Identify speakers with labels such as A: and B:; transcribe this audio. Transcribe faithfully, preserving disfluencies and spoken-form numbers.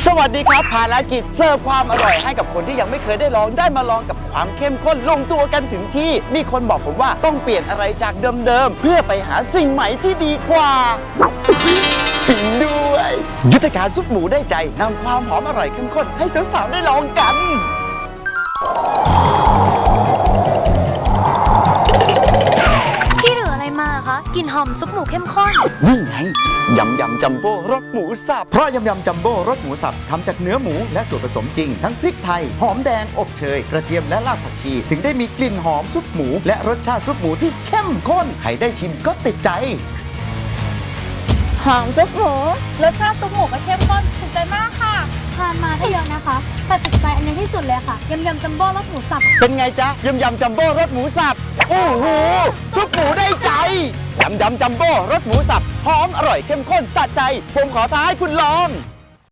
A: สวัสดีครับภารกิจเสิร์ฟความอร่อยให้กับคนที่ยังไม่เคยได้ลองได้มาลองกับความเข้มข้นลงตัวกันถึงที่มีคนบอกผมว่าต้องเปลี่ยนอะไรจากเดิมๆเพื่อไปหาสิ่งใหม่ที่ดีกว่าจริงด้วยยุทธการซุปหมูได้ใจนำความหอมอร่อยเข้มข้นให้สาวๆได้ลองกัน
B: พี่เหลืออะไรมาคะกลิ่นหอมซุปหมูเข้มข้น
A: นี่ไงยำยำจัมโบ้รสหมูสับเพราะยำยำจัมโบ้รสหมูสับทำจากเนื้อหมูและส่วนผสมจริงทั้งพริกไทยหอมแดงอบเชยกระเทียมและรากผักชีถึงได้มีกลิ่นหอมซุปหมูและรสชาติซุปหมูที่เข้มข้นใครได้ชิมก็ติดใจ
B: หอมซุปหมู
C: รสชาติซุปหมูก็เข้มข้นถูกใจมากค่ะ
B: ทานมาได้เยอะนะคะแต่ติดใจอันนี้ที่สุดเลยค่ะยำยำจัมโบ้รสหมูสับ
A: เป็นไงจ๊ะยำยำจัมโบ้รสหมูสับโอ้โหซุปหมูได้ใจยำยำจัมโบ้รสหมูสับหอมอร่อยเข้มข้นสะใจผมขอท้าให้คุณลอง